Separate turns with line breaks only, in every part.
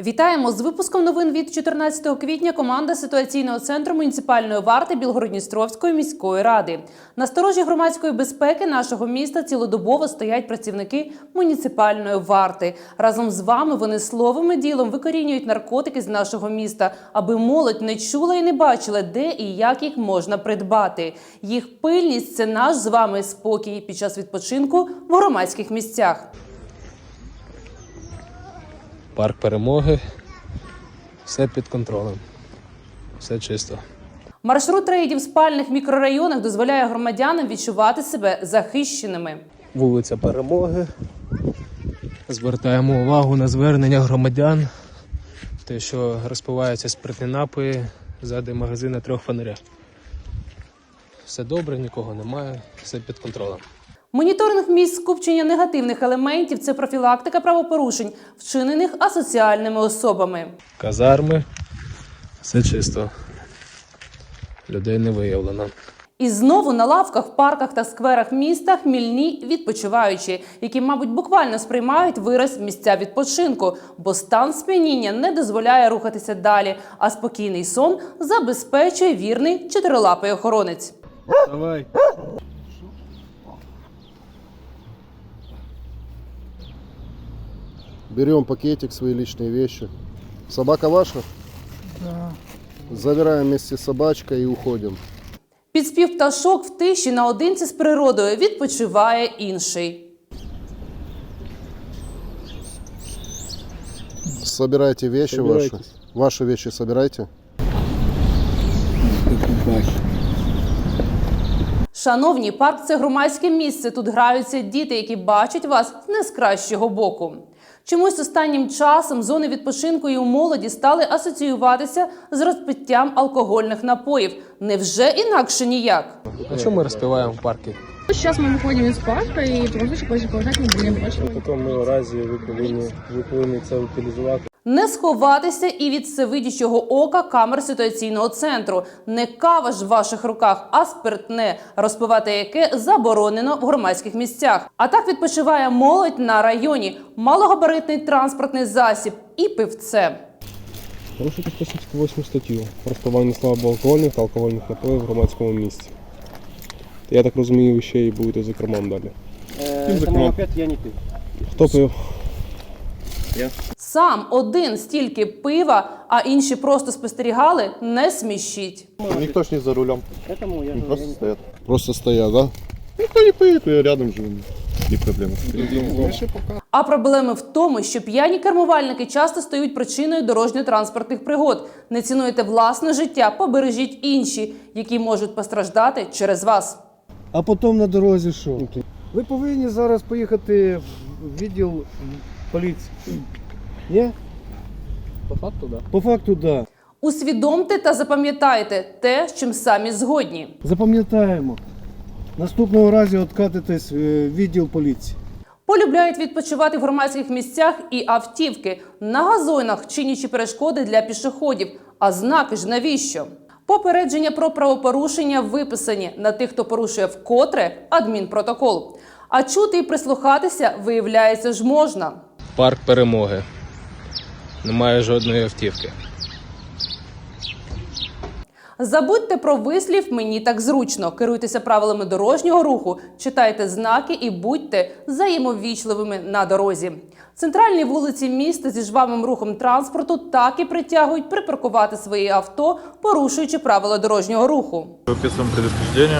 Вітаємо з випуском новин від 14 квітня. Команда ситуаційного центру муніципальної варти Білгород-Дністровської міської ради. На сторожі громадської безпеки нашого міста цілодобово стоять працівники муніципальної варти. Разом з вами вони словом і ділом викорінюють наркотики з нашого міста, аби молодь не чула і не бачила, де і як їх можна придбати. Їх пильність – це наш з вами спокій під час відпочинку в громадських місцях.
Парк Перемоги, все під контролем, все чисто.
Маршрут рейдів в спальних мікрорайонах дозволяє громадянам відчувати себе захищеними.
Вулиця Перемоги. Звертаємо увагу на звернення громадян, те, що розпиваються спиртні напої ззади магазину «Трьох фонаря». Все добре, нікого немає, все під контролем.
Моніторинг місць скупчення негативних елементів – це профілактика правопорушень, вчинених асоціальними особами.
Казарми, все чисто, людей не виявлено.
І знову на лавках, парках та скверах міста хмільні відпочиваючі, які, мабуть, буквально сприймають вираз місця відпочинку, бо стан сп'яніння не дозволяє рухатися далі, а спокійний сон забезпечує вірний чотирилапий охоронець.
Давай.
Берем пакетик, свои личные вещи. Собака ваша? Да. Забираем вместе с собачкой и уходим.
Під спів пташок в тиші наодинці з природою відпочиває інший.
Собирайте вещи ваши. Ваши вещи собирайте.
Шановні, парк – це громадське місце. Тут граються діти, які бачать вас не з кращого боку. Чомусь останнім часом зони відпочинку і у молоді стали асоціюватися з розпиттям алкогольних напоїв. Невже інакше ніяк?
А чому ми розпиваємо в парку?
Сейчас мы выходим из парка и просто чтобы продолжать не будем больше.
В такому разі ви повинні це утилізувати.
Не сховатися і від всевидячого ока камер ситуаційного центру. Не кава ж в ваших руках, а спиртне, розпивати яке заборонено в громадських місцях. А так відпочиває молодь на районі, малогабаритний транспортний засіб і пивце.
Порушити 178 статтю «Розпивання слабоалкогольних та алкогольних напоїв в громадському місці». Я так розумію, ви ще й будете за кермом далі.
Опять я не пив.
Хто пив?
Я.
Сам один стільки пива, а інші просто спостерігали, не смішіть.
Никто ж не за рулем.
Поэтому я
Просто
не...
стоят. Просто стоят, да? Никто не поедет, я рядом живу. Не проблема.
А проблеми в тому, що п'яні кермувальники часто стають причиною дорожньо-транспортних пригод. Не цінуєте власне життя, побережіть інші, які можуть постраждати через вас.
А потім на дорозі що? Ви повинні зараз поїхати в відділ поліції. Ні?
По факту, так.
По факту, так. Да.
Усвідомте та запам'ятайте те, з чим самі згодні.
Запам'ятаємо. Наступного разу откатитесь в відділ поліції.
Полюбляють відпочивати в громадських місцях і автівки, на газонах, чинячи перешкоди для пішоходів. А знаки ж навіщо? Попередження про правопорушення виписані. На тих, хто порушує вкотре – адмінпротокол. А чути і прислухатися, виявляється, ж можна.
Парк Перемоги. Немає жодної автівки.
Забудьте про вислів «мені так зручно». Керуйтеся правилами дорожнього руху, читайте знаки і будьте взаємовічливими на дорозі. Центральні вулиці міста зі жвавим рухом транспорту так і притягують припаркувати свої авто, порушуючи правила дорожнього руху.
Выписываем предупреждение.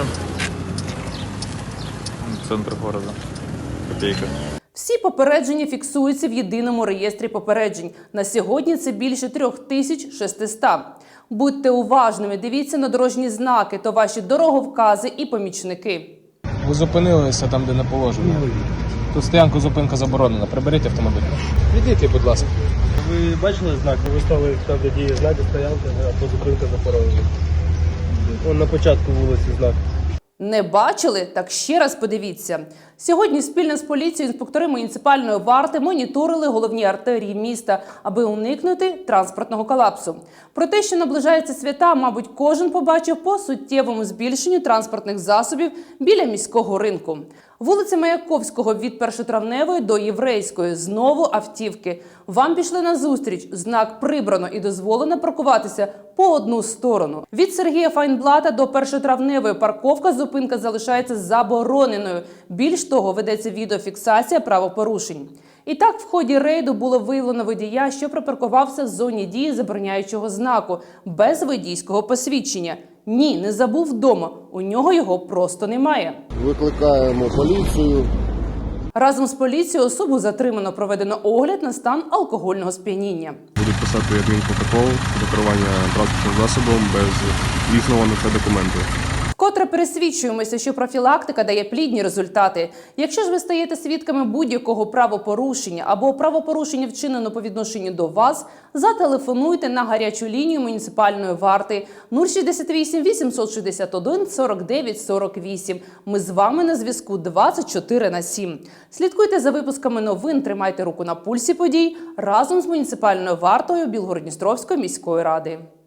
Центр города. Копейка.
Всі попередження фіксуються в єдиному реєстрі попереджень. На сьогодні це більше 3600. Будьте уважними, дивіться на дорожні знаки, то ваші дороговкази і помічники.
Ви зупинилися там, де не положено. Тут стоянку зупинка заборонена. Приберіть автомобіль. Відійдіть, будь ласка.
Ви бачили знак? Ви ставили там, де діє знаки, стоянка або зупинка заборонена. Вон на початку вулиці знак.
Не бачили? Так ще раз подивіться. Сьогодні спільно з поліцією інспектори муніципальної варти моніторили головні артерії міста, аби уникнути транспортного колапсу. Про те, що наближаються свята, мабуть, кожен побачив по суттєвому збільшенню транспортних засобів біля міського ринку. Вулиця Маяковського від Першотравневої до Єврейської. Знову автівки. Вам пішли на зустріч. Знак прибрано і дозволено паркуватися по одну сторону. Від Сергія Файнблата до Першотравневої парковка зупинка залишається забороненою. Більш того, ведеться відеофіксація правопорушень. І так, в ході рейду було виявлено водія, що припаркувався в зоні дії забороняючого знаку, без водійського посвідчення. Ні, не забув вдома. У нього його просто немає.
Викликаємо поліцію.
Разом з поліцією особу затримано, проведено огляд на стан алкогольного сп'яніння.
Будуть писати адмінпротокол до керування транспортним засобом без дійсного на це документу.
Вкотре пересвідчуємося, що профілактика дає плідні результати. Якщо ж ви стаєте свідками будь-якого правопорушення або правопорушення вчинено по відношенню до вас, зателефонуйте на гарячу лінію муніципальної варти 068 861 49 48. Ми з вами на зв'язку 24/7. Слідкуйте за випусками новин, тримайте руку на пульсі подій разом з муніципальною вартою Білгород-Дністровської міської ради.